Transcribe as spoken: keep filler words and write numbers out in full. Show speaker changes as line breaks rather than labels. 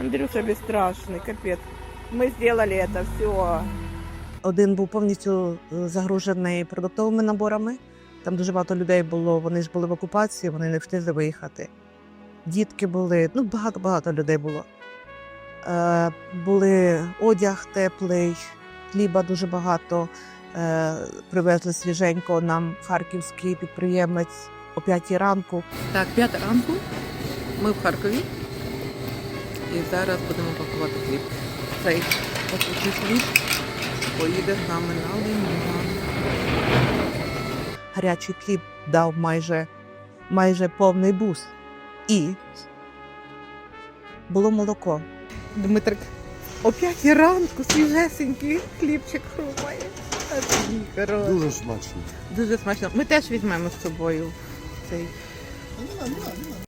Андрюша безстрашний, капець. Ми зробили це все.
Один був повністю загружений продуктовими наборами. Там дуже багато людей було, вони ж були в окупації, вони не встигли виїхати. Дітки були, ну багато-багато людей було. Е, були одяг теплий, хліба дуже багато. Е, привезли свіженько нам харківський підприємець о п'ятій ранку.
Так, п'ята ранку. Ми в Харкові. І зараз будемо пакувати хліб. Цей пакучий хліб поїде з нами на Лиман.
Гарячий хліб дав майже, майже повний бус. І було молоко.
Дмитрик, о п'ятій ранку свіжесенький хлібчик хрумає. А такий хороший.
Дуже смачно.
Дуже смачно. Ми теж візьмемо з собою цей.